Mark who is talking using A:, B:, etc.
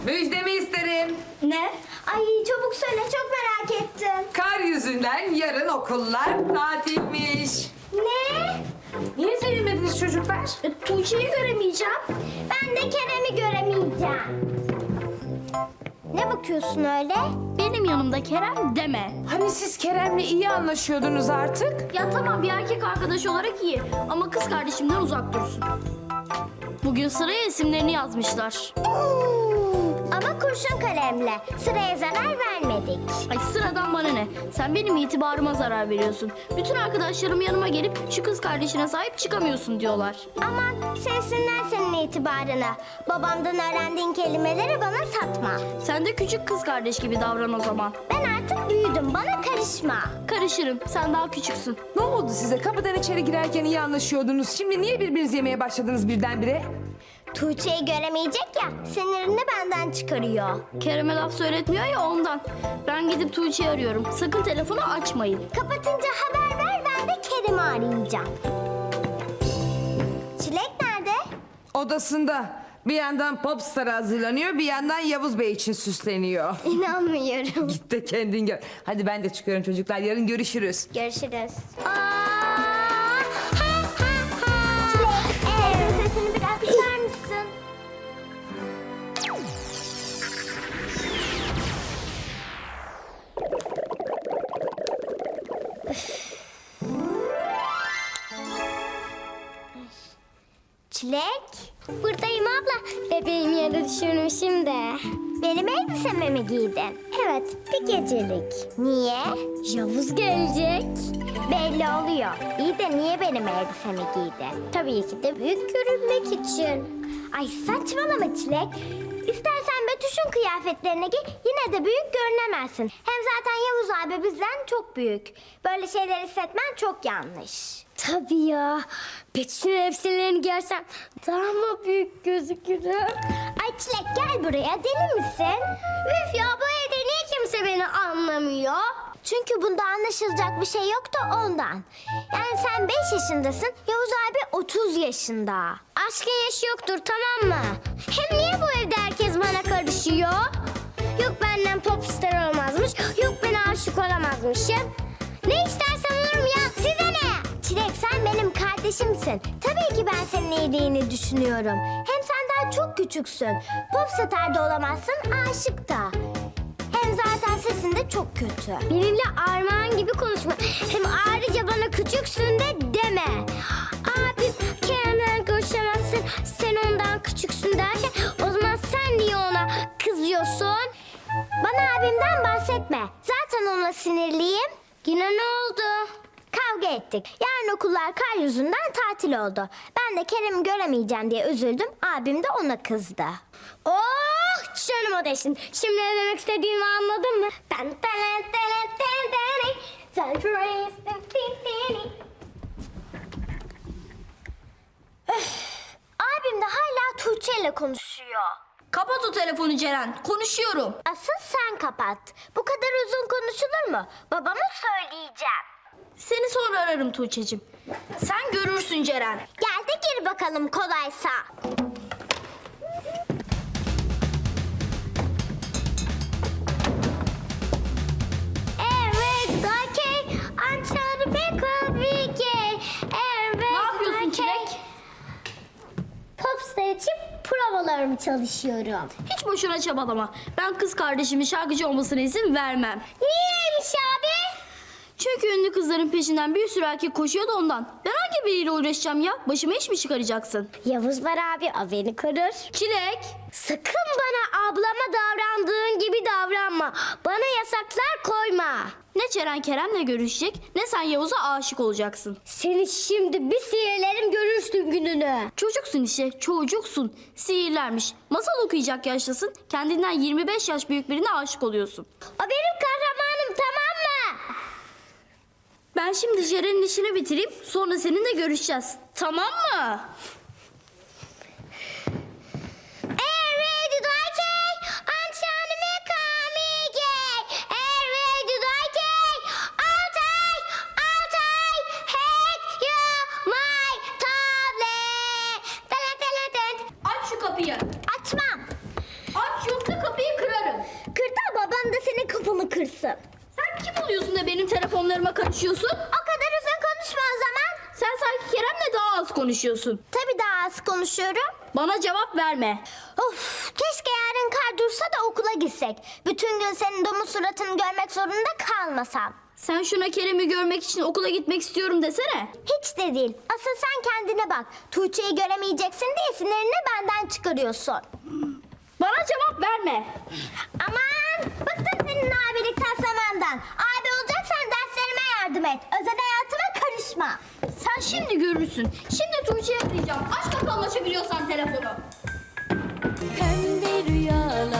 A: Müjdemi isterim.
B: Ne? Ay çabuk söyle, çok merak ettim.
A: Kar yüzünden yarın okullar tatilmiş.
B: Ne?
A: Niye söylemediniz çocuklar?
B: Tuğçe'yi göremeyeceğim. Ben de Kerem'i göremeyeceğim. Ne bakıyorsun öyle?
C: Benim yanımda Kerem deme.
A: Hani siz Kerem'le iyi anlaşıyordunuz artık?
C: Ya tamam, bir erkek arkadaş olarak iyi ama kız kardeşimden uzak dursun. Bugün sıraya isimlerini yazmışlar.
B: Ama kurşun kalemle. Sıraya zarar vermedik.
C: Ay sıradan bana ne? Sen benim itibarıma zarar veriyorsun. Bütün arkadaşlarım yanıma gelip şu kız kardeşine sahip çıkamıyorsun diyorlar.
B: Aman sevsinler senin itibarını. Babamdan öğrendiğin kelimeleri bana satma.
C: Sen de küçük kız kardeş gibi davran o zaman.
B: Ben artık büyüdüm, bana karışma.
C: Karışırım, sen daha küçüksün.
A: Ne oldu size? Kapıdan içeri girerken iyi anlaşıyordunuz. Şimdi niye birbirinizi yemeye başladınız birdenbire?
B: Tuğçe'yi göremeyecek ya, sinirini benden çıkarıyor.
C: Kerem'e laf söyletmiyor ya ondan. Ben gidip Tuğçe'yi arıyorum. Sakın telefonu açmayın.
B: Kapatınca haber ver, ben de Kerem'i arayacağım. Çilek nerede?
A: Odasında. Bir yandan Popstar'a hazırlanıyor, bir yandan Yavuz Bey için süsleniyor.
B: İnanmıyorum.
A: Git de kendin gör. Hadi ben de çıkıyorum çocuklar. Yarın görüşürüz.
B: Görüşürüz. Çilek, sesini biraz kısar mısın? Çilek. Buradayım abla. Bebeğimi yere düşürmüşüm de. Benim elbisemi mi giydin? Evet, bir gecelik. Niye? Yavuz gelecek. Belli oluyor. İyi de niye benim elbisemi giydin? Tabii ki de büyük görünmek için. Ay saçmalama Çilek. İstersen Betüş'ün kıyafetlerine giy, yine de büyük görünemezsin. Hem zaten Yavuz abi bizden çok büyük. Böyle şeyler hissetmen çok yanlış. Tabii ya. Betüş'ün elbiselerini giyersem daha mı büyük gözükürüm? Ay Çilek gel buraya, deli misin? Üf ya, bu evde niye kimse beni anlamıyor? Çünkü bunda anlaşılacak bir şey yok da ondan. Yani sen 5 yaşındasın, Yavuz abi 30 yaşında. Aşkın yaşı yoktur, tamam mı? Hem niye bu evde herkes bana karışıyor? Yok benden popstar olmazmış, yok ben aşık olamazmışım. Ne istersen olurum ya, size ne? Çilek sen benim kardeşimsin. Tabii ki ben senin iyiliğini düşünüyorum. Hem sen daha çok küçüksün. Popstar da olamazsın, aşık da. Hem zaten sesin de çok kötü. Benimle armağan gibi konuşma. Hem ayrıca bana küçüksün de deme. Abim Kerem'le görüşemezsin, sen ondan küçüksün derken o zaman sen niye ona kızıyorsun? Bana abimden bahsetme. Zaten onunla sinirliyim. Yine ne oldu? Kavga ettik. Yarın okullar kar yüzünden tatil oldu. Ben de Kerem'i göremeyeceğim diye üzüldüm. Abim de ona kızdı. Oh canım odeşin. Şimdi ne demek istediğimi anladın mı? Abim de hala Tuğçe ile konuşuyor.
C: Kapat o telefonu Ceren, konuşuyorum.
B: Asıl sen kapat. Bu kadar uzun konuşulur mu? Babama söyleyeceğim.
C: Seni sonra ararım Tuğçe'cim. Sen görürsün Ceren.
B: Gel de gir bakalım kolaysa. Evet, okey. Ançarı bekabike. Evet,
C: Ne yapıyorsun
B: okey.
C: Çilek?
B: Popstar için provalarımı çalışıyorum.
C: Hiç boşuna çabalama. Ben kız kardeşimin şarkıcı olmasına izin vermem.
B: Niyeymiş abi?
C: Çünkü ünlü kızların peşinden bir sürü erkek koşuyor da ondan. Ben hangi biriyle uğraşacağım ya? Başıma iş mi çıkaracaksın?
B: Yavuz var abi, o beni korur.
C: Çilek.
B: Sakın bana ablama davrandığın gibi davranma. Bana yasaklar koyma.
C: Ne Ceren Kerem'le görüşecek ne sen Yavuz'a aşık olacaksın.
B: Seni şimdi bir sihirlerim, görürsün gününü.
C: Çocuksun işte, çocuksun. Sihirlermiş. Masal okuyacak yaştasın. Kendinden 25 yaş büyük birine aşık oluyorsun.
B: O benim kahramanım, tamam mı?
C: Ben şimdi Ceren'in işini bitireyim. Sonra seninle görüşeceğiz. Tamam mı? Aç şu kapıyı.
B: Açmam.
C: Aç yoksa konuşuyorsun?
B: O kadar uzun konuşma o zaman.
C: Sen sanki Kerem'le daha az konuşuyorsun.
B: Tabii daha az konuşuyorum.
C: Bana cevap verme.
B: Of, keşke yarın kar dursa da okula gitsek. Bütün gün senin domuz suratını görmek zorunda kalmasam.
C: Sen şuna Kerem'i görmek için okula gitmek istiyorum desene.
B: Hiç de değil. Asıl sen kendine bak. Tuğçe'yi göremeyeceksin diye sinirini benden çıkarıyorsun.
C: Bana cevap verme.
B: Aman, bıktım senin abilik taslamandan. Abi olacaksan derslerime yardım et. Özel hayatıma karışma.
C: Sen şimdi görürsün. Şimdi Tuğçe'yi arayacağım. Aç bakalım açabiliyorsan telefonu.
D: Pembe rüyalar